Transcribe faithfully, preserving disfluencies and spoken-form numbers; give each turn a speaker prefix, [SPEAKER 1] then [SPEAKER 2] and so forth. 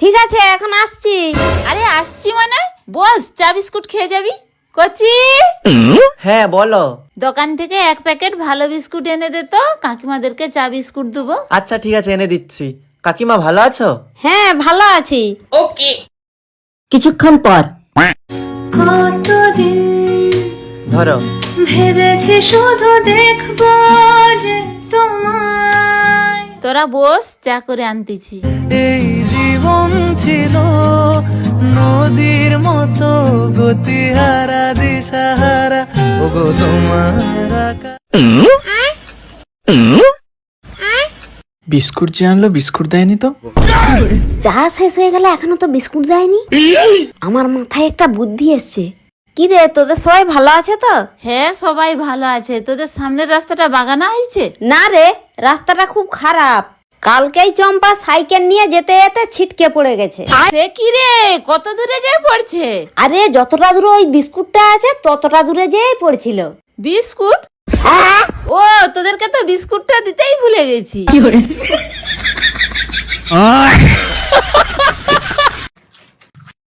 [SPEAKER 1] ঠিক আছে এখন আসছি।
[SPEAKER 2] আরে আসছি মানে বস, চা বিস্কুট খেয়ে যাবি? কচি,
[SPEAKER 3] হ্যাঁ বলো।
[SPEAKER 2] দোকান থেকে এক প্যাকেট ভালো বিস্কুট এনে দে তো, কাকিমাদেরকে চা বিস্কুট দেবো।
[SPEAKER 3] আচ্ছা ঠিক আছে এনে দিচ্ছি। কাকিমা ভালো আছো?
[SPEAKER 1] হ্যাঁ ভালো আছি।
[SPEAKER 2] ওকে।
[SPEAKER 1] কিছুক্ষণ পর।
[SPEAKER 4] কতদিন
[SPEAKER 3] ধরো।
[SPEAKER 4] ভেবেছি শুধু দেখবো যে তোমায়।
[SPEAKER 2] তোরা বস, চা করে আনতেছি।
[SPEAKER 5] এই জীবন ছিল নদীর মতো গতিহারা দিশাহারা, ওগো তোমার বিস্কুট যে আনলো, বিস্কুট দেয়নি তো?
[SPEAKER 1] চা শেষ হয়ে গেল এখনো তো বিস্কুট দেয়নি। আমার মাথায় একটা বুদ্ধি এসছে। কি রে, তোদের সবাই ভালো আছে তো?
[SPEAKER 2] হ্যাঁ সবাই ভালো আছে। তোদের সামনের রাস্তাটা বাগানা হয়েছে?
[SPEAKER 1] না রে, রাস্তাটা খুব খারাপ। কালকেই চম্পা সাইকেল নিয়ে যেতে যেতে ছিটকে পড়ে গেছে।
[SPEAKER 2] সে কি রে, কত দূরে যায় পড়ছে?
[SPEAKER 1] আরে যতটা দূরে ওই বিস্কুটটা আছে ততটা দূরে যেই পড়ছিল।
[SPEAKER 2] বিস্কুট? ও, তোদেরকে তো বিস্কুটটা দিতেই ভুলে গেছি।